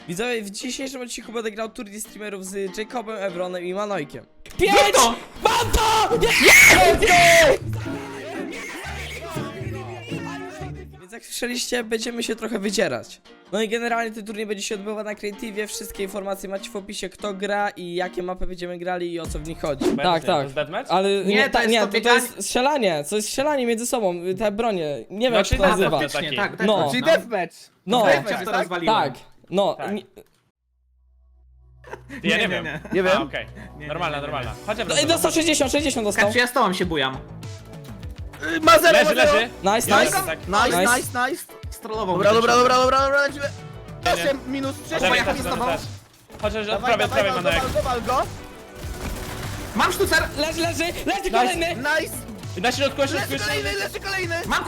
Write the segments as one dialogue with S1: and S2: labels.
S1: Widzowie, w dzisiejszym odcinku będę grał turniej streamerów z Jacobem, Evronem i Manojkiem. 5! Mam to! Więc jak słyszeliście, będziemy się trochę wydzierać. No i generalnie ten turniej będzie się odbywał na Creative. Wszystkie informacje macie w opisie, kto gra i jakie mapy będziemy grali i o co w nich chodzi.
S2: Tak,
S1: Tak.
S2: To jest deathmatch?
S1: Ale to
S3: to
S1: jest strzelanie, to jest strzelanie między sobą, te bronie. Nie wiem, jak
S2: Znaczy,
S1: się to
S2: na
S1: nazywa.
S2: faktycznie,
S3: Tak,
S1: No.
S3: no.
S4: Czyli deathmatch.
S1: No,
S3: Deathmatch to rozwaliłem.
S1: tak, no.
S2: Tak.
S1: nie-
S2: Ja nie wiem.
S4: Nie
S2: A,
S4: wiem.
S2: okej.
S3: Nie,
S2: Normalna,
S3: nie,
S2: normalna. Chodź,
S1: Ej, dostał 60 dostał.
S3: Kaczy, ja z tobą się bujam.
S4: Ma zero,
S2: Leży,
S4: ma zero.
S2: leży.
S1: Nice,
S2: Ja
S1: nice.
S2: tak.
S4: Nice,
S1: Nice.
S4: nice, nice.
S3: Strollował
S4: Dobra,
S3: mnie.
S4: dobra, lecimy.
S2: Nie, nie.
S4: 8 minus 6.
S2: Dawaj,
S3: ja
S2: też,
S3: chodzę z
S2: dawaj,
S3: tobą.
S2: też. Chociaż od
S4: Dawaj,
S2: prawej,
S4: dawaj,
S2: Manojek.
S4: wal go.
S3: Mam sztucer!
S1: Leży kolejny.
S4: Nice.
S2: Na środku,
S4: Leży kolejny.
S3: Mam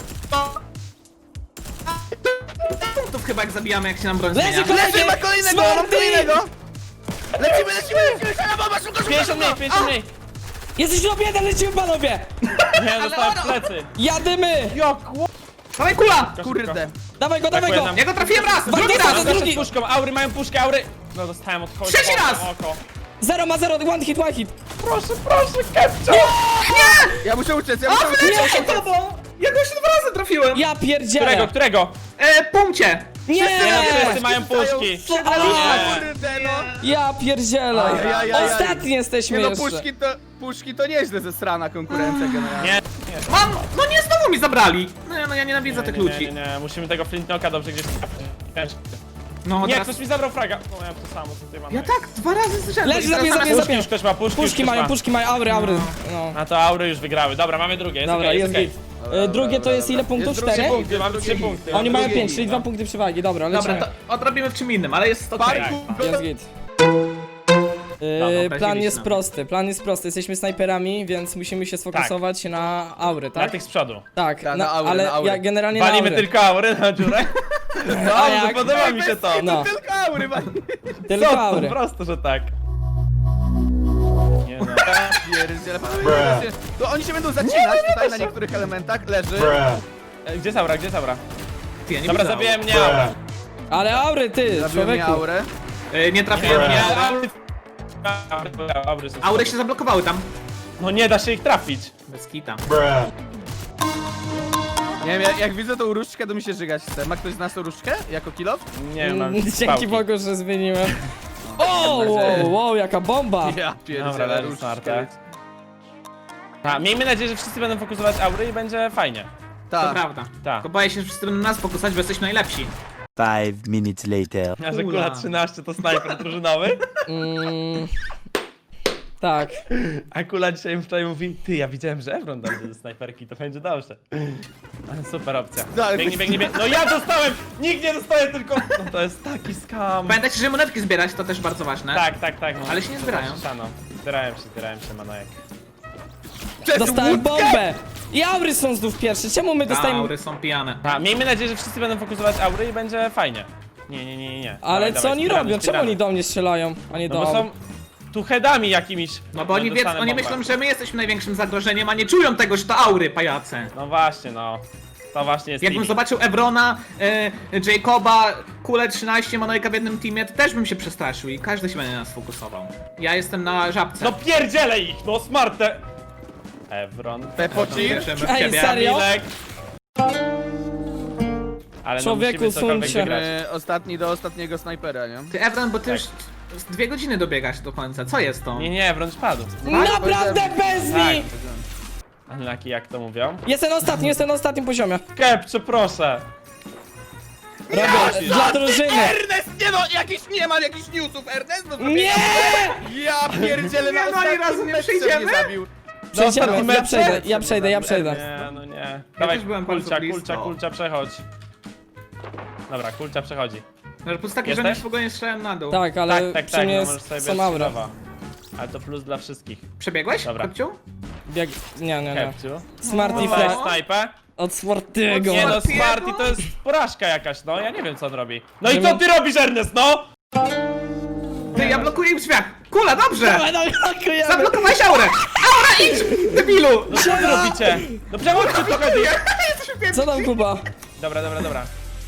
S3: punktów chyba jak zabijamy, jak się nam broń
S1: Leży
S3: zmienia.
S1: kolejny.
S4: Leży, ma kolejnego,
S1: Smarty!
S4: mam kolejnego. Lecimy. Szala bomba, szybko.
S2: 50 mniej, 50 mniej.
S1: Jesteś top 1, lecimy panowie.
S2: Nie, dostałem w plecy.
S1: Jadymy.
S3: Dawaj kula!
S4: Kurde.
S1: Dawaj go.
S2: Brakuje nam.
S3: Ja go trafiłem raz! Drugi
S1: Bandita,
S3: raz!
S1: to
S2: Zeszedł
S1: drugi.
S2: z puszką, aury mają puszkę, aury. No dostałem od kogoś.
S3: Trzeci raz!
S2: Oko.
S1: 0 ma 0, one hit.
S2: Proszę, Kepcio.
S4: Ja muszę uciec, ja muszę uciec.
S3: Nie, tobą! Ja go się 2 razy trafiłem!
S1: Ja pierdzielę.
S2: Którego?
S3: Punkcie!
S1: Nie.
S2: Wszyscy mają puszki.
S4: Kurde, no.
S1: Ja pierdzielę.
S4: Ajajaj.
S1: Ostatni jesteśmy
S4: Nie no,
S1: jeszcze.
S4: puszki to nieźle ze strana konkurencja generalnie.
S2: Nie.
S3: Mam! No nie, znowu mi zabrali! No ja nienawidzę tych ludzi.
S2: Nie, musimy tego Flintknoka dobrze gdzieś trafić.
S3: No
S2: Nie,
S3: teraz...
S2: ktoś mi zabrał fraga. No ja to samo, co ty mam.
S3: Ja tak, 2 razy z rzędu.
S1: Leży,
S3: I teraz
S1: zabij,
S3: zamiast-
S1: zabij.
S2: Puszki już ktoś ma,
S1: Puszki mają, aury. No.
S2: A to aury już wygrały. Dobra, mamy drugie. Jest
S1: Dobra,
S2: okej,
S1: jest
S2: okej.
S1: git. Drugie to jest ile punktów?
S4: Jest drugie
S1: 4?
S4: punkt.
S2: Mamy 3 punkty.
S1: Oni mają
S4: drugie
S1: 5, czyli
S4: no.
S1: 2 punkty przewagi. Dobra,
S3: Dobra,
S1: lecimy.
S3: to odrobimy w czym innym, ale jest okej.
S4: Parku.
S1: Jest git.
S3: Dobra,
S1: Plan jest
S3: obraziliście
S1: prosty. Jesteśmy snajperami, więc musimy się sfokusować na aury,
S2: Na
S1: tak?
S2: tych z przodu.
S1: Tak,
S4: Tak, na aury,
S1: ale
S4: na aury.
S1: ja generalnie
S2: Walimy
S1: na aury.
S2: tylko aury na dziurę.
S1: A
S2: Dobrze,
S1: jak?
S2: podoba mi się to.
S1: No,
S4: Tylko aury, man.
S1: tylko
S2: Po
S1: aury.
S2: prostu, że tak. Nie no.
S4: Pierdziele, panowie, to oni się będą zacinać tutaj na niektórych elementach. Leży.
S2: Gdzie jest aura, gdzie jest aura?
S3: Ty, ja nie
S2: Dobra,
S3: widzę.
S2: zabiłem mnie aura.
S1: Ale aury, ty,
S4: Zabiłem mnie
S1: człowieku.
S4: aurę.
S3: Nie trafiłem,
S2: Nie,
S3: nie.
S2: aury są.
S3: Aury się zablokowały tam.
S2: No nie da się ich trafić.
S3: Bez kita.
S4: Nie wiem, jak widzę tą różdżkę, to mi się żygać chce. Ma ktoś z nas tą różdżkę? Jako kill off?
S2: Nie mam
S1: Dzięki
S2: pałki.
S1: Bogu, że zmieniłem. O, wow, jaka bomba.
S4: Ja
S2: Dobra,
S4: pierdzielę,
S2: leży
S4: różdżkę.
S2: smarte. A, miejmy nadzieję, że wszyscy będą fokusować aury i będzie fajnie.
S3: To
S4: Tak.
S3: prawda.
S2: Tak.
S3: Tylko boję się, że wszyscy będą nas fokusować, bo jesteśmy najlepsi.
S5: 5 minutes later.
S2: A że kula 13 to snajper drużynowy?
S1: Tak.
S2: A kula dzisiaj wczoraj mówi, ty, ja widziałem, że Evron dojdzie do snajperki, to będzie dobrze. Ale super opcja.
S4: No, ale
S2: Biegnie. No ja dostałem! Nikt nie dostaje, tylko... No to jest taki skam.
S3: Pamiętajcie, że monetki zbierać to też bardzo ważne.
S2: Tak. No,
S3: Ale się nie
S2: to
S3: zbierają.
S2: zawsze szano. Zbierają się, Manojek.
S1: Dostałem bombę. I aury są znów pierwsze. Czemu my dostajemy...
S3: Aury są pijane.
S2: A, miejmy nadzieję, że wszyscy będą fokusować aury i będzie fajnie. Nie.
S1: Ale
S2: Dawaj,
S1: co oni
S2: speedruny,
S1: robią? Czemu oni do mnie strzelają, a nie
S2: No
S1: do
S2: bo
S1: aury?
S2: są tu headami jakimiś.
S3: No bo oni wiedzą,
S2: dostanę
S3: oni
S2: bombę.
S3: myślą, że my jesteśmy największym zagrożeniem, a nie czują tego, że to aury, pajace.
S2: No właśnie, no. To właśnie jest
S3: Jakbym
S2: limit.
S3: zobaczył Evrona, Jacoba, Kulę 13, Manojka w jednym teamie, to też bym się przestraszył i każdy się będzie na nas fokusował. Ja jestem na żabce.
S2: No pierdzielę ich, no smarte! Evron.
S4: Pepocir.
S3: Wierzymy w
S1: Ej,
S3: ciebie.
S1: serio?
S2: Kamilek. Ale no
S1: Człowieku,
S2: musimy cokolwiek
S1: suńcie.
S2: wygrać.
S4: Ostatni do ostatniego snajpera, nie?
S3: Ty Evron, bo ty
S2: Tak.
S3: już z 2 godziny dobiegasz do końca, co jest to?
S2: Nie, Evron spadł.
S1: Naprawdę bez
S2: Tak.
S1: mi!
S2: Unlucky, jak to mówią?
S1: Jestem na ostatnim poziomie.
S2: Kepcze, proszę!
S1: Robię dla drużyny.
S4: Ernest, nie no, nie ma jakichś newsów, Ernest? No,
S1: Nie!
S4: Ja pierdzielę,
S3: Nie,
S4: na
S3: no, ani razu
S4: ostatnim
S3: nie
S4: meczu
S3: przyjdziemy?
S4: mnie zabił.
S1: Przejdziemy, ja przejdę.
S2: Nie, no nie. Dawaj,
S3: też byłem bardzo
S2: kulcia,
S3: blisko.
S2: kulcia, przechodź. Dobra, kulcia przechodzi.
S3: No, po taki,
S2: Jesteś?
S3: że już w ogóle nie strzelałem na dół.
S1: Tak, ale
S2: Tak,
S1: przy
S2: no
S1: mnie
S2: możesz sobie
S1: są
S2: bierz
S1: aury.
S2: skillowa. Ale to plus dla wszystkich.
S3: Przebiegłeś,
S2: Dobra.
S3: Kopciu?
S1: Nie.
S2: Kepciu.
S1: Smarty
S2: Dawaj
S1: fly
S2: snajpę.
S1: od Smartiego.
S2: Nie no,
S3: Smartiego?
S2: Smarty to jest porażka jakaś, no ja nie wiem co on robi. No i co ty robisz, Ernest, no?
S3: Ty, ja blokuję im drzwiach. Kula, dobrze!
S1: Dawaj, blokujemy.
S3: Zablokowałeś aurę! Aura, idź! Debilu!
S2: No co wy robicie? No przechodźcie trochę.
S1: Co tam, Kuba?
S2: Dobra.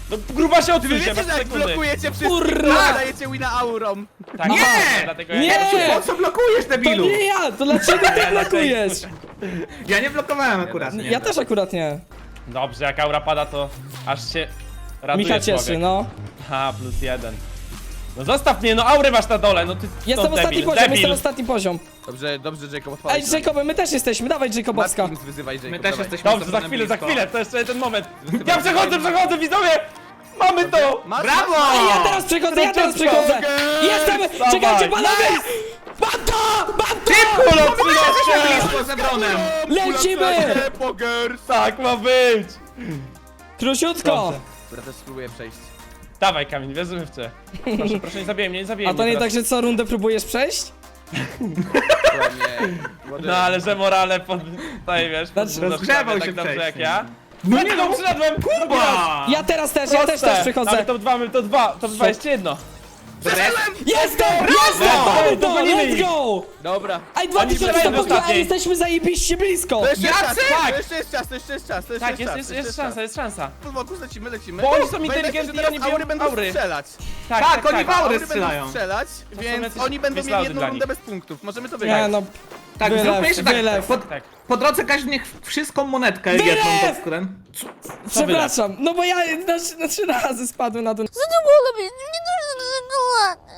S2: No gruba się odsuń się,
S4: Wiecie,
S2: masz
S4: że jak
S2: sekundy.
S4: blokujecie wszystkich,
S1: Kurwa!
S4: to dajecie wina aurą.
S2: Tak,
S3: Nie!
S2: dlatego
S1: Nie!
S2: ja
S3: Po co blokujesz,
S1: To
S3: debilu?
S1: nie ja, to dlaczego ty blokujesz?
S3: Ja nie blokowałem akurat.
S1: Ja też akurat nie.
S2: Dobrze, jak aura pada, to aż się raduje
S1: Micha cieszy,
S2: człowiek.
S1: no.
S2: Ha, +1. No zostaw mnie, no aury masz na dole, no ty
S1: Jestem
S2: to
S1: ostatni
S2: debil,
S1: poziom,
S2: debil.
S1: jestem ostatni poziom.
S4: Dobrze, dobrze, Jacob,
S1: Ej,
S4: odpalaj.
S1: Jacob, my też jesteśmy, dawaj Jacobowska.
S4: Matkins wyzywaj, Jacob,
S3: My też
S4: dawaj.
S3: jesteśmy
S2: Dobrze, za
S3: sobie
S2: chwilę,
S3: blisko.
S2: to jeszcze ten moment. Ja przechodzę, widzowie! Mamy to!
S4: Masz,
S3: Brawo!
S4: masz,
S1: Ej, ja teraz przechodzę, ja teraz przechodzę! Jestem!
S2: Dawaj.
S1: Czekajcie, panowie! Mam to! Mam to!
S2: Kulo,
S3: Jesteśmy blisko z Ebronem.
S1: Lecimy!
S4: Poker!
S2: Tak ma być!
S1: Króciutko!
S2: Dobrze.
S4: Dobra, też spróbuję przejść.
S2: Dawaj Kamil, wierzymy w cię. Proszę nie zabijaj mnie, nie zabijaj
S1: A to
S2: mnie
S1: nie tak,
S2: teraz.
S1: że co rundę próbujesz przejść?
S4: Ładnie.
S2: No ale że morale pod... Tutaj wiesz,
S1: Znaczy,
S3: rozgrzewał
S2: tak
S3: się
S2: dobrze jak
S3: wcześniej.
S2: ja.
S3: No
S2: Nie no, przyszedłem!
S3: Kurwa!
S1: Ja też, ja też przychodzę.
S2: Mamy top 2, top 2 jeszcze jedno.
S1: Jestem! Mamy
S2: Dawaj,
S1: to!
S2: dogonimy
S1: Let's
S2: ich.
S1: go!
S4: Dobra.
S1: Ej,
S2: Oni
S1: 2000
S2: strzelają w
S1: punktów, a
S2: ostatniej.
S1: jesteśmy zajebiście blisko!
S4: To jeszcze jest czas,
S3: Jacy?
S4: to jeszcze jest czas, to jeszcze jest czas, to jeszcze
S2: Tak,
S4: jest czas.
S2: jest szansa.
S4: Po boku lecimy.
S2: Bo oni są
S4: Pamiętajcie,
S2: inteligentni
S4: że
S2: i oni
S4: teraz aury
S2: biorą
S4: będą
S2: aury.
S4: strzelać.
S3: Tak, oni w aury
S4: Aury
S3: strzelają.
S4: będą strzelać,
S2: są
S4: więc
S2: jacyś
S4: oni będą mieli
S2: wyslaudy
S4: jedną
S2: dla
S4: rundę
S2: nich.
S4: bez punktów. Możemy to
S1: Nie
S4: wygrać.
S1: no,
S3: Tak,
S1: Wylew,
S3: zróbmy jeszcze tak.
S1: wylew.
S2: Tak.
S3: Po drodze każdy niech wszystką monetkę
S1: Wylew!
S3: jedną pod skórę.
S1: przepraszam, no bo ja na 3 razy spadłem na dół.
S6: Co to mogło być? Nie dużo tego.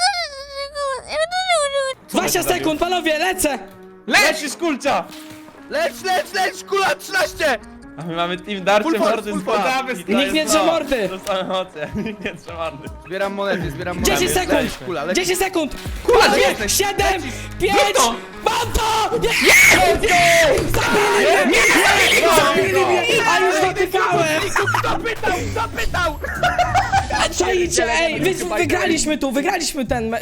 S1: 20 sekund, panowie, lecę!
S2: Lecisz kulcia!
S4: Leć, kula 13!
S2: A my mamy team darcie
S4: Full force,
S2: mordy
S4: full
S2: z
S4: force.
S2: dwa. I to
S1: Nikt
S2: jest
S1: nie drze
S2: to.
S1: mordy.
S2: To są emocje, nikt nie drze mordy.
S4: Zbieram monety,
S1: 10 sekund!
S4: Leć, kula, leć.
S1: 10 sekund!
S3: Kula,
S1: Pięć,
S3: jesteś.
S1: 7, 5,
S3: to.
S1: mam to! Zabili mnie! A już dotykałem!
S4: Kto pytał?
S1: Czajcie, ej, wygraliśmy ten...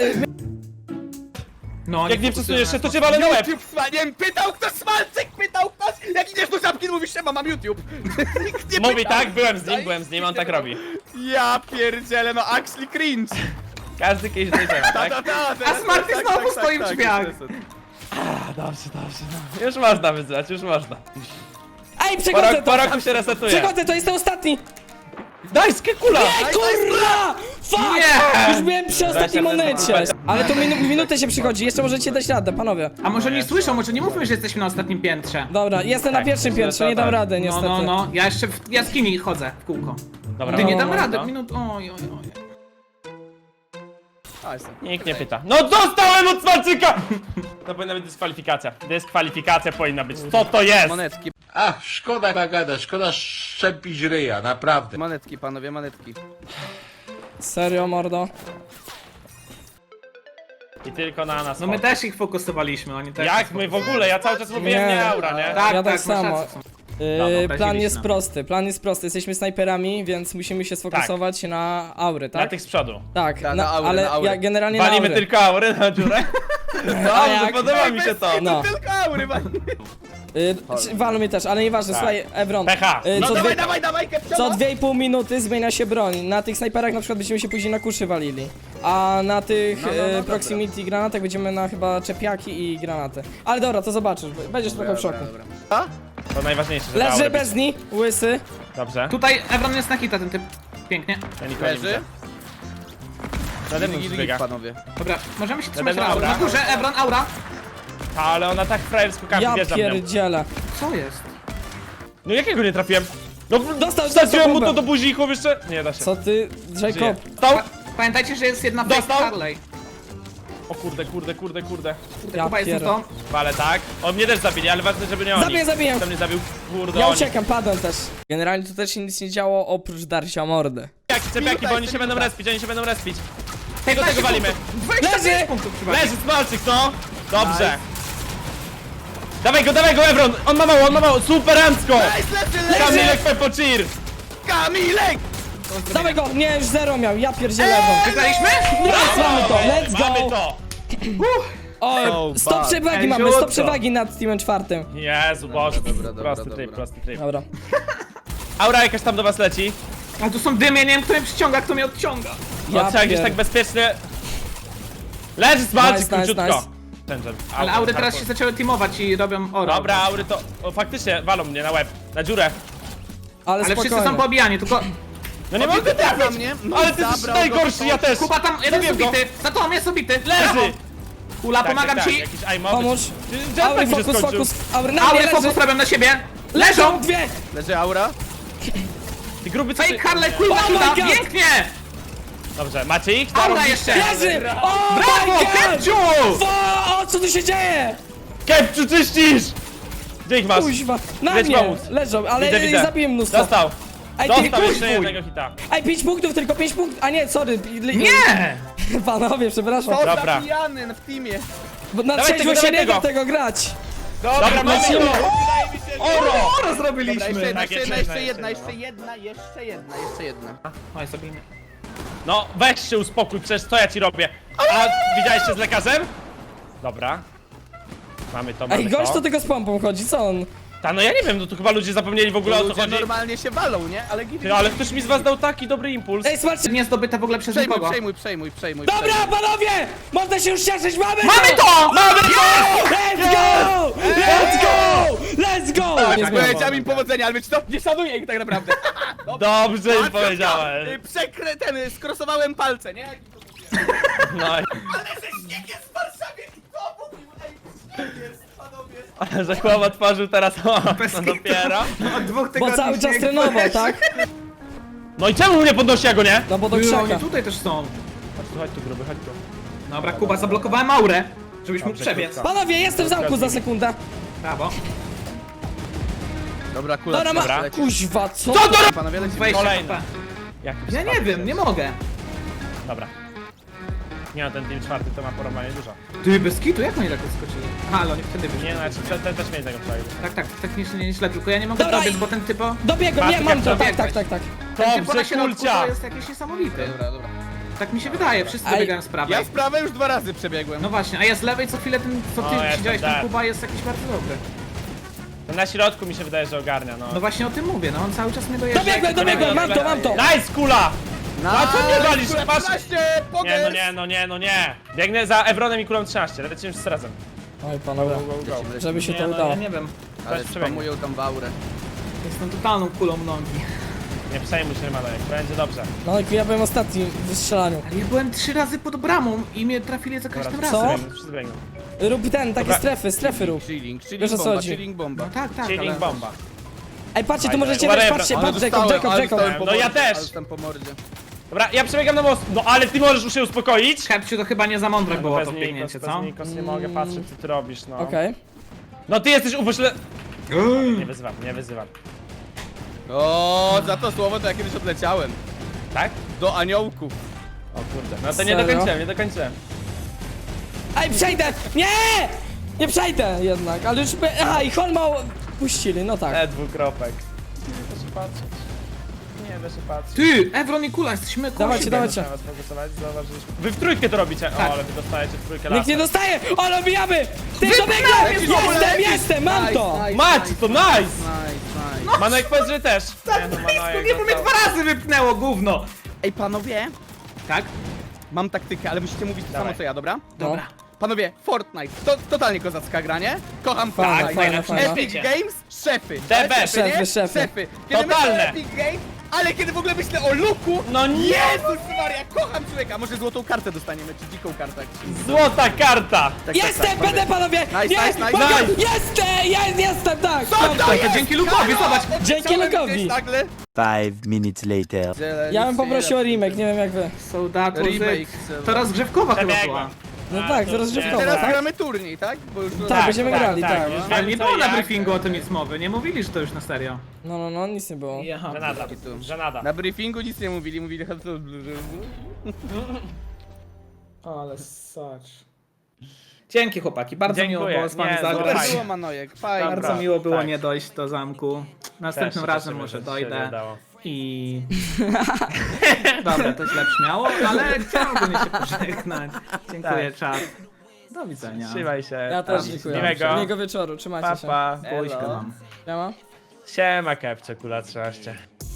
S3: No,
S2: Jak nie przesunujesz się, to cię walę na łeb!
S4: YouTube smaniem, pytał ktoś, Smalczyk pytał ktoś! Jak idziesz do żabki, mówisz, że mam YouTube. Nikt nie
S2: Mówi
S4: pytał.
S2: tak, byłem z nim, on tak robi.
S4: Ja pierdzielę, no actually cringe.
S2: Każdy kiedyś dojrzewa, tak?
S3: A Smarty znowu stoi w drzwiach.
S2: Dobrze. No. Już można wyzwać, już można.
S1: Ej, przechodzę
S2: Po
S1: to!
S2: roku się resetuje.
S1: Przechodzę, to jestem ostatni!
S2: Daj skekula!
S1: Ej, kurwa! Fuck!
S3: Nie!
S1: Już byłem przy ostatniej monecie. Ale to minutę się przychodzi, jeszcze możecie dać radę, panowie.
S3: A może nie słyszą, może nie mówmy, że jesteśmy na ostatnim piętrze.
S1: Dobra, jestem na
S2: Tak,
S1: pierwszym
S2: myślę,
S1: piętrze,
S2: że
S1: nie dam
S2: tak.
S1: rady
S3: No,
S1: niestety.
S3: no. Ja jeszcze w jaskini chodzę w kółko.
S2: Dobra,
S3: Ty nie
S1: no,
S3: dam
S1: no,
S3: rady,
S2: no.
S3: minut. Oj.
S2: Nikt nie pyta. No dostałem od Smalczyka! To powinna być dyskwalifikacja. Dyskwalifikacja powinna być. Co to jest?
S4: Monetki,
S7: Ach, szkoda bagada, szkoda szczepić ryja, naprawdę.
S4: monetki, panowie, monetki.
S1: Serio, mordo?
S2: I tylko na nas.
S3: No my też ich fokusowaliśmy, oni też.
S2: Jak my w ogóle? Ja cały czas mówiłem
S1: Nie.
S2: nie aura, nie?
S3: Tak,
S1: Ja tak
S3: masz
S1: samo.
S3: rację.
S1: Plan
S3: obraziliśmy.
S1: jest prosty, jesteśmy snajperami, więc musimy się sfokusować na aury,
S2: Na
S1: tak?
S2: tych z przodu.
S1: Tak,
S4: Tak, na aury,
S1: ale
S4: na aury.
S1: ja generalnie na
S2: Walimy
S1: aury.
S2: tylko aury na dziurę. Dobrze,
S1: jak?
S2: podoba mi się to.
S1: No.
S4: Tylko aury,
S1: Walą mnie też, ale nieważne,
S2: Tak.
S1: słuchaj, Evron.
S2: Pecha.
S1: y,
S2: No
S1: co, dwie,
S4: dawaj, Kepcio!
S1: co 2,5 minuty zmienia się broń. Na tych snajperach na przykład będziemy się później na kuszy walili. A na tych
S4: dobra.
S1: proximity granatach będziemy na chyba czepiaki i granaty. Ale dobra, to zobaczysz, będziesz trochę w szoku.
S2: To najważniejsze, że
S1: Leży
S2: aury.
S1: bez niej, łysy.
S2: Dobrze.
S3: Tutaj Ebron jest na hita, ten typ. Pięknie.
S2: Ja nikogo nie
S4: Leży.
S2: widzę. Nade mną przebiega.
S4: panowie.
S3: Dobra, możemy się trzymać
S2: Będę
S3: na aura.
S2: aura.
S3: Na górze, Ebron, aura.
S2: Ale ona tak frajersko kapi,
S1: Ja
S2: wjeżdża w nią.
S1: pierdzielę.
S3: Co jest?
S2: No jakiego nie trafiłem? No
S1: Dostał
S2: wsadziłem mu
S1: bombę.
S2: to do buzi i chłop jeszcze... Nie da się.
S1: Co ty,
S2: Żyje.
S1: Jacob?
S2: Stał?
S3: Pamiętajcie, że jest jedna fake
S2: Dostał?
S3: Harley.
S2: O kurde.
S1: Ja
S3: Kuba jest
S1: pier-
S3: to.
S2: Ale tak. On mnie też zabili, ale ważne, żeby nie oni.
S1: Zabiję.
S2: Kto mnie zabił? Kurde,
S1: Ja
S2: oni.
S1: uciekam, padłem też. Generalnie tu też się nic nie działo oprócz darcia mordy.
S2: Cepiaki, bo oni się będą respić, Tego
S3: 15
S2: walimy.
S3: punktów. 25 punktów trzeba.
S2: Leży Smalczyk, no! Dobrze. Dawaj go, Evron! On ma mało, super Ancko! Kamilek Peppo Cheer!
S4: Kamilek!
S1: Dawaj go! Nie, już 0 miał, ja pierdzielę Evron.
S3: Wygraliśmy?
S1: Nice, mamy to, let's
S2: Mamy
S1: go!
S2: to!
S1: O, 100 przewagi mamy, 100
S3: Ejziutko.
S1: przewagi nad teamem czwartym.
S2: Jezu, Boże,
S4: dobra,
S2: prosty
S4: dobra.
S2: tryb.
S1: Dobra.
S2: Aura jakaś tam do was leci.
S3: Ale tu są dymy, ja nie wiem, kto mnie przyciąga, kto mnie odciąga.
S2: No trzeba gdzieś
S1: pier-
S2: tak bezpiecznie... Leży Smalczyk,
S1: Nice, nice,
S2: króciutko.
S1: nice.
S2: Tężem.
S3: Ale aury teraz się zaczęły teamować i robią oro.
S2: Dobra, aury to... O, faktycznie, walą mnie na łeb. Na dziurę.
S1: Ale
S3: Ale wszyscy są
S1: spokojnie.
S3: poobijani, tylko...
S2: No nie mogę trafić!
S4: mnie. No
S2: Ale
S4: i
S2: ty jesteś
S4: zabrał go
S2: najgorszy, ja też!
S3: Kuba tam, jeden jest
S2: Zabiłem go.
S3: ubity! Za tobą jest ubity!
S2: Leży!
S3: Kula, pomagam ci!
S2: Jakiś aim
S1: Pomóż. Aury,
S2: mi się
S1: fokus,
S2: skończył.
S1: fokus. Aury, na mnie
S3: Aury,
S1: leży.
S3: fokus robią na siebie!
S1: Leżą
S3: Leżą!
S1: dwie.
S4: Leży aura.
S2: Ty gruby co
S3: Fake
S2: ty...
S3: Harley
S2: Nie.
S3: Quinn
S1: Oh my
S3: uda!
S1: God.
S3: Pięknie!
S2: Dobrze, macie ich?
S3: Aura jeszcze!
S1: Leży! O,
S3: Brawo,
S1: my God!
S3: Kepciu!
S1: O, co tu się dzieje?
S2: Kepciu, czyścisz! Gdzie ich masz?
S1: Kuźwa, na
S2: Leć
S1: mnie
S2: pomóc.
S1: leżą, ale
S2: Widzę, widzę.
S1: zabiłem mnóstwo.
S2: Dostał!
S1: Ej, ty,
S2: Dostał jeszcze
S3: kuźwuj.
S2: jednego hita.
S1: Ej, 5 punktów, tylko 5 punktów. A nie, sorry.
S3: Nie!
S1: Panowie, przepraszam.
S4: To
S2: Dobra.
S4: zabijany w teamie.
S1: Bo na
S2: Dawaj
S1: trzeźwo
S2: tego,
S1: się
S2: dawaj
S1: nie da
S2: tego.
S1: tego grać.
S2: Dobra, mamy
S1: lecimy.
S2: to! Oro!
S3: Oro
S4: Dobra,
S3: zrobiliśmy!
S4: jeszcze jedna,
S2: Tak,
S4: jeszcze
S2: jeszcze
S4: jedna,
S2: jedna,
S4: jeszcze jedna, jeszcze jedna.
S3: Oj, zabijmy.
S2: No, weź się uspokój, przecież co ja ci robię? A widziałeś się z lekarzem? Dobra. Mamy to, mamy
S1: Ej, gość
S2: to.
S1: to tylko z pompą chodzi, co on?
S2: Ta, no ja nie wiem, no tu chyba ludzie zapomnieli w ogóle o co
S4: Ludzie
S2: chodzi.
S4: normalnie się walą, nie? Ale git.
S2: Ty, ale ktoś mi z was dał taki dobry impuls.
S1: Ej, smaczcie.
S3: Nie zdobyte w ogóle przez nikogo.
S4: Przejmuj.
S1: Dobra, panowie! Można się już cieszyć, mamy
S3: to!
S2: Mamy to!
S1: Let's go! Let's go! Let's go! Nie zmieniam.
S4: Powiedziałem im powodzenia, ale wiecie co? Nie szanuję ich tak naprawdę.
S2: Dobrze im powiedziałem.
S4: Skrosowałem palce, nie?
S2: No i...
S4: Jest w Warszawie i to mówił, jest, panowie.
S2: Że chłop otworzył teraz, o, no dopiero.
S3: Od 2
S1: Bo
S3: tygodni
S1: cały czas
S3: śnieg
S1: trenował,
S3: padał.
S1: tak?
S2: No i czemu mnie podnosi, ja go nie?
S1: No bo do
S3: Oni
S1: krzaka.
S3: tutaj też są.
S2: Chodź tu gruby, chodź tu.
S3: Dobra, Kuba, zablokowałem aurę, żebyś mógł
S2: Dobrze,
S3: przebiec.
S2: krótko.
S1: Panowie, jestem w zamku za sekundę.
S3: Brawo.
S4: Dobra, kula.
S1: Dobra, ma...
S2: Dobra.
S1: Kuźwa, co?
S2: Co to robi?
S4: Panowie, lecimy.
S3: 20
S2: Kolejny.
S3: HP.
S2: Jak
S3: Ja nie wiem, nie mogę.
S2: Dobra. Nie no, ten team czwarty to ma porąbanie dużo.
S3: Ty, bez kitu, jak oni tak odskoczyli? Aha, ale oni wtedy wyszli.
S2: Nie no, znaczy ten też mieli tego przejść.
S3: Tak, technicznie nieźle, tylko ja nie mogę
S1: Dobra,
S3: dobiec,
S1: i-
S3: bo ten typo...
S1: Dobiegłem, nie, mam to, tak,
S3: Dobiegłeś.
S1: tak.
S3: Ten typo na
S2: Dobrze,
S3: środku
S2: kulcia!
S3: to jest jakiś niesamowity.
S4: Dobra.
S3: Tak mi się wydaje, wszyscy
S1: Aj.
S3: dobiegają z prawej.
S4: Ja w prawej już 2 razy przebiegłem.
S3: No właśnie, a ja z lewej co chwilę ten, co ty
S2: O, jestem
S3: siedziałeś, ten
S2: dead.
S3: Kuba jest jakiś bardzo dobry.
S2: Ten na środku mi się wydaje, że ogarnia, no.
S3: No właśnie o tym mówię, no on cały czas mnie dojeżdża.
S1: Dobiegłem, mam to.
S2: Nice, kula! No a co mnie walisz?
S4: Kula
S2: Masz...
S4: 13,
S2: Nie,
S4: pogers!
S2: no nie. Biegnę za Evronem i kulą 13, lecimy z razem.
S1: Oj, panowie,
S2: Go.
S1: żeby się
S2: Nie,
S1: to
S2: no,
S1: udało.
S3: Ja nie wiem,
S4: Ale
S2: Weź przebiegnie.
S4: spamują tam w aurę.
S3: jestem totalną kulą nogi.
S2: Nie przejmuj się, Manojek, będzie dobrze.
S1: No, ja byłem ostatni w strzelaniu.
S3: Ale ja byłem 3 razy pod bramą i mnie trafili za każdym
S2: Dobra,
S1: Co?
S3: razem.
S2: wszyscy biegną.
S1: Rób ten, takie
S2: Dobra.
S1: strefy rób.
S4: Chilling
S1: Wiesz, o co
S4: bomba,
S1: chodzi.
S4: chilling bomba.
S3: No tak,
S2: Chilling
S3: ale...
S2: bomba.
S1: Ej, patrzcie, tu
S2: Fajne.
S1: możecie
S2: Whatever.
S1: wejść, patrzcie,
S4: Ale
S1: patrz,
S4: dostałem
S1: Jacob.
S4: po
S2: No ja
S4: mordzie,
S2: też.
S4: ale dostałem po mordzie.
S2: Dobra, ja przebiegam na most. No ale ty możesz już się uspokoić.
S3: Kepciu, to chyba nie za mądre było
S2: Bez
S3: to
S2: Nikos,
S3: biegnięcie,
S2: bez
S3: co?
S2: Nikos, nie mogę patrzeć, co ty robisz, no.
S1: Okej.
S2: No ty jesteś upośle... Nie wyzywam.
S4: O, za to słowo to ja kiedyś odleciałem.
S2: Tak?
S4: Do aniołków.
S2: O kurde, no to
S1: Serio?
S2: nie dokończyłem.
S1: Ej, przejdę! Nie! Nie przejdę jednak, ale już... Aha, i Holma puścili, no tak.
S2: Dwukropek. Nie da się patrzeć. Nie da się patrzeć.
S3: Ty, Evron i Kula, jesteśmy koło
S1: Dawajcie,
S3: siebie.
S1: dawajcie.
S2: Trzeba sfokusować, zauważyliśmy. Wy w trójkę to robicie.
S3: Tak.
S2: O, ale wy dostajecie w trójkę
S1: Nikt nie
S2: lasem.
S1: dostaje! O, dobijamy! Ty dobiegłem! Jestem, mam to!
S2: Mać, to nice!
S4: Nice.
S2: Manojek powiedz, że też. Nie no, Manojek
S3: Nie, bo mnie
S2: dostał.
S3: 2 razy wypnęło, gówno!
S4: Ej, panowie,
S3: Tak?
S4: mam taktykę, ale musicie mówić to
S2: Dawaj.
S4: samo co ja, dobra?
S3: Dobra.
S4: Panowie, Fortnite, to totalnie kozacka gra, nie? Kocham
S1: Fajna,
S4: Fortnite.
S1: fajna, fajna.
S4: Epic Games, szefy.
S2: The best.
S4: nie?
S1: Szefy.
S4: Szefy. Kiedy
S2: Totalne.
S4: myślę o Epic Games, ale kiedy w ogóle myślę o Luku,
S2: No nie!
S4: Jezus Maria, kocham człowieka. Może złotą kartę dostaniemy, czy dziką kartę. jak się-
S2: Złota karta!
S4: Tak,
S1: Jestem,
S4: panowie.
S1: będę, panowie!
S4: Nice,
S1: Nie!
S4: nice, nice,
S1: Boga-
S2: nice.
S1: Jestem, tak!
S4: Co
S1: mam
S4: to
S1: to.
S4: jest?
S3: To dzięki Lukowi, zobacz!
S1: Dzięki
S4: Chciałem
S1: Lukowi.
S4: gdzieś nagle.
S5: 5 minutes later.
S1: Ja bym poprosił o remake, nie wiem jak wy.
S3: So that was
S4: Remake.
S3: it. To rozgrzewkowa chyba
S2: Przebiegłem.
S3: była.
S1: No
S2: A,
S1: tak,
S2: to
S1: to rozgrzewkowa,
S4: Teraz
S1: tak?
S4: gramy turniej, tak? Bo już
S1: Tak, będziemy grali, tak.
S2: już
S3: Ale
S2: wiem,
S3: nie
S2: co
S3: było na
S2: jak.
S3: briefingu o tym nic mowy, nie mówili, że to już na serio.
S1: No, nic nie było.
S2: Żenada, żenada.
S4: Na briefingu nic nie mówili, mówili
S3: Ale sacz. Dzięki chłopaki, bardzo
S2: Dziękuję.
S3: miło było z wami
S2: Nie,
S3: zagrać.
S2: super
S4: Super było, Manojek, fajnie.
S3: Bardzo
S2: Dobra,
S3: miło było
S2: tak.
S3: nie dojść do zamku. Następnym
S2: Też się
S3: razem
S2: cieszymy,
S3: może
S2: że się
S3: dojdę.
S2: udało.
S3: I... Dobra, to źle brzmiało, ale chciałbym się pożegnać. Dziękuję, czat. Do widzenia.
S2: Trzymaj się.
S1: Ja też dziękuję.
S2: Miłego.
S1: Miłego wieczoru, trzymajcie
S2: Pa,
S1: się.
S2: pa.
S3: Buźkę mam.
S1: Siema.
S2: Siema, Kepcze, kula 13.